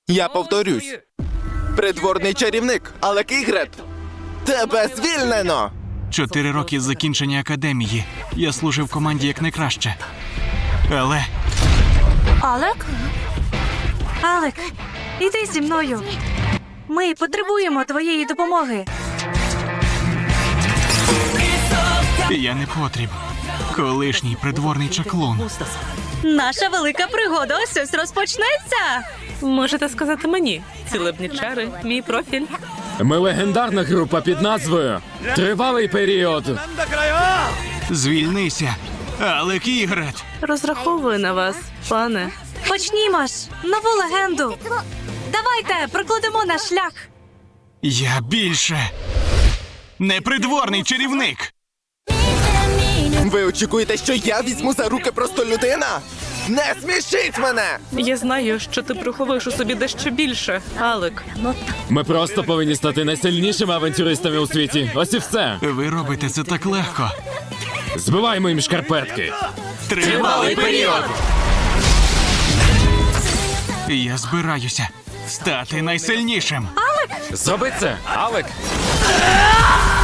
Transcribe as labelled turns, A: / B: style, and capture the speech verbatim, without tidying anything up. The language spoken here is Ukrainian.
A: Я повторюсь. Придворний чарівник Алек Ігрет. Тебе звільнено!
B: Чотири роки з закінчення академії. Я служив команді як найкраще. Але
C: Алек? Алек, іди зі мною. Ми потребуємо твоєї допомоги.
B: я не потріб. Колишній придворний чаклун.
C: Наша велика пригода ось ось розпочнеться.
D: Можете сказати мені. Цілебні чари, мій профіль.
E: Ми легендарна група під назвою «Тривалий період».
B: Звільнися, Алек Ігрет.
D: Розраховую на вас, пане.
C: Почнімо ж нову легенду. Давайте прокладемо наш шлях.
B: Я більше не придворний чарівник.
A: Ви очікуєте, що я візьму за руки просто людина? Не смішіть мене!
D: Я знаю, що ти приховуєш у собі дещо більше, Алек.
E: Ми просто повинні стати найсильнішими авантюристами у світі. Ось і все.
B: Ви робите це так легко.
E: Збиваємо їм шкарпетки.
B: Тривалий період. Я збираюся стати найсильнішим.
E: Зроби це, Алек!